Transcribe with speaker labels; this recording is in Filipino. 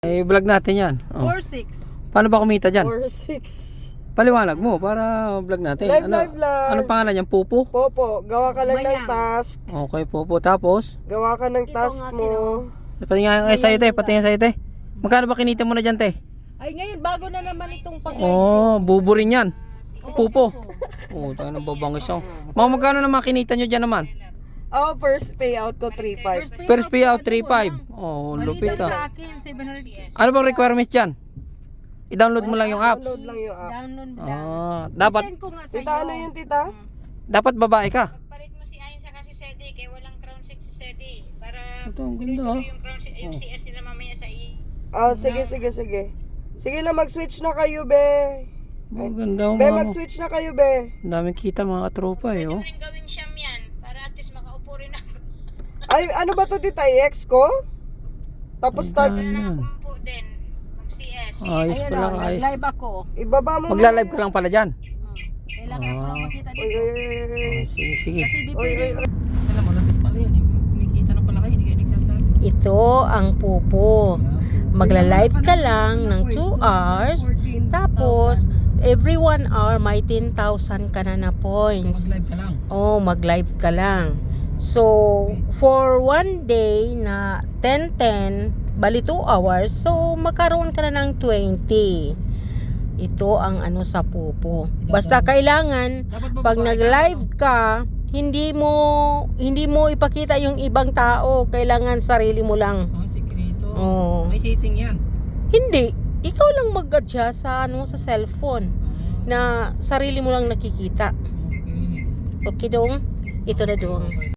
Speaker 1: Vlog natin yan.
Speaker 2: 4-6.
Speaker 1: Paano ba kumita dyan?
Speaker 2: 4-6.
Speaker 1: Paliwanag mo para vlog natin.
Speaker 2: Live lang.
Speaker 1: Anong pangalan yan? Pupo?
Speaker 2: Popo, gawa ka lang ng task.
Speaker 1: Okay, Pupo. Tapos?
Speaker 2: Gawa ka ng task mo.
Speaker 1: Patingin nga sa'yo, te. Patingin sa'yo, te. Magkano ba kinita mo na dyan, te?
Speaker 2: Ay, ngayon, bago na naman itong pag-live.
Speaker 1: Oh, bubo rin yan. Pupo. Oh, tayo ng babangis ako. Mga magkano naman kinita nyo dyan naman?
Speaker 2: Oh, first payout ko 3.5.
Speaker 1: First payout, 3.5. Oh, lupit
Speaker 2: Sa
Speaker 1: ah.
Speaker 2: akin, 700.
Speaker 1: Ano bang requirements dyan? I-download mo lang yung apps.
Speaker 2: Download lang yung app. Download lang.
Speaker 1: Dapat
Speaker 2: Send ko nga sa'yo.
Speaker 1: Ano
Speaker 2: Tita, ano yun, tita?
Speaker 1: dapat babae ka.
Speaker 3: Palit mo si Ayon sa kasi Sedi, kaya walang crown 6 si Sedi. Para
Speaker 1: Ito, ang ganda ah.
Speaker 3: yung crown yung CS nila mamaya sa
Speaker 2: Ah, sige. Sige na, mag-switch na kayo, be.
Speaker 1: Ang ganda
Speaker 2: Be,
Speaker 1: mga.
Speaker 2: mag-switch na kayo, be.
Speaker 1: Ang daming kita mga katropa eh. Oh.
Speaker 3: rin gawin siyam yan. Para at least makaupo rin ako.
Speaker 2: Ay, ano ba to, tita? I-ex ko? Tapos start.
Speaker 1: Ayan.
Speaker 3: Upo din. Mag-CS.
Speaker 1: Ayos pala, ayos.
Speaker 2: Live ako. Ibaba mo.
Speaker 1: Magla-live ka lang pala dyan.
Speaker 2: Kailangan ko lang makita Oy, dito.
Speaker 1: Oh, sige, sige.
Speaker 2: Kasi di pwede.
Speaker 1: Alam mo, lapit pala yan. Kumikita na pala kayo, hindi kayo nagsasabi.
Speaker 4: Ito ang pupo. Magla-live ka lang ng 2 hours. Tapos, every 1 hour, may 10,000 ka na points.
Speaker 1: Mag-live ka lang.
Speaker 4: Oh, mag-live ka lang. So, for 1 day na 10-10, bali 2 hours, so magkaroon ka na ng 20. Ito ang ano sa pupo. Basta kailangan, pag nag-live ka, hindi mo ipakita yung ibang tao. Kailangan sarili mo lang.
Speaker 1: Oh, sikreto.
Speaker 4: Oh.
Speaker 1: May setting yan.
Speaker 4: Hindi. Ikaw lang mag-adjust sa cellphone na sarili mo lang nakikita.
Speaker 1: Okay.
Speaker 4: Okay dong? Ito na dong.